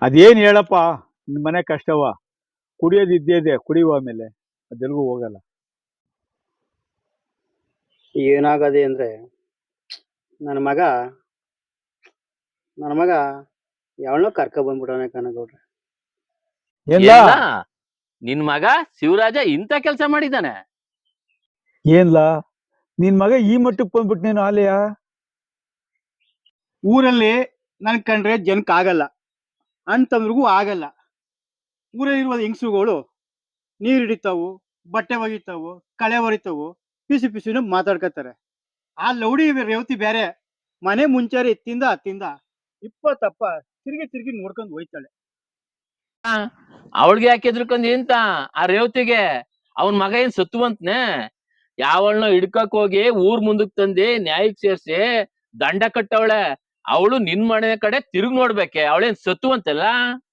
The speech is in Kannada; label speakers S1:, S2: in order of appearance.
S1: ಅದೇನ್ ಹೇಳಪ್ಪ, ನಿಮ್ ಮನೆ ಕಷ್ಟವ. ಕುಡಿಯೋದು ಇದ್ದೇ ಇದೆ, ಕುಡಿಯುವ ಆಮೇಲೆ ಅದೆಲ್ಗೂ ಹೋಗಲ್ಲ.
S2: ಏನಾಗದೆ ಅಂದ್ರೆ ನನ್ನ ಮಗ ಯಾವಳನ್ನೋ ಕರ್ಕ ಬಂದ್ಬಿಟ್ಟವನೆ ಕನಗೌಡ್ರೆ.
S1: ಏನ್ಲ
S3: ಎಲ್ಲ ನಿನ್ ಮಗ ಶಿವರಾಜ ಇಂಥ ಕೆಲಸ ಮಾಡಿದ್ದಾನೆ?
S1: ಏನ್ಲ ನಿನ್ ಮಗ ಈ ಮಟ್ಟಕ್ಕೆ ಬಂದ್ಬಿಟ್ನೇನು ಆಲಯ?
S2: ಊರಲ್ಲಿ ನನ್ ಕಂಡ್ರೆ ಜನಕ್ಕೆ ಆಗಲ್ಲ ಅಂತಂದ್ರಿಗೂ ಆಗಲ್ಲ. ಊರಲ್ಲಿರುವ ಹೆಂಗಸುಗಳು ನೀರು ಹಿಡಿತಾವು, ಬಟ್ಟೆ ಒಗಿತಾವು, ಕಳೆ ಹೊರಿತಾವು, ಪಿಸಿ ಪಿಸಿನ ಮಾತಾಡ್ಕತಾರೆ. ಆ ಲೌಡಿ ರೇವತಿ ಬೇರೆ ಮನೆ ಮುಂಚಾರಿ ಎತ್ತಿಂದ ಹತ್ತಿಂದ ಇಪ್ಪತ್ತಪ್ಪ ತಿರುಗಿ ತಿರುಗಿ ನೋಡ್ಕೊಂಡು ಹೋಯ್ತಾಳೆ.
S3: ಅವಳಿಗೆ ಯಾಕೆ ಎದ್ರಕೊಂಡಿ ಅಂತ? ಆ ರೇವತಿಗೆ ಅವನ್ ಮಗ ಏನ್ ಸತ್ತುವಂತನೆ? ಯಾವಳನ್ನ ಹಿಡ್ಕಕ್ ಹೋಗಿ ಊರ್ ಮುಂದಕ್ ತಂದಿ ನ್ಯಾಯಕ್ ಸೇರ್ಸಿ ದಂಡ ಕಟ್ಟವಳೆ. ಅವಳು ನಿನ್ ಮನೆ ಕಡೆ ತಿರುಗ್ ನೋಡ್ಬೇಕೆ, ಅವಳೇನ್ ಸತ್ತುವಂತಲ್ಲ?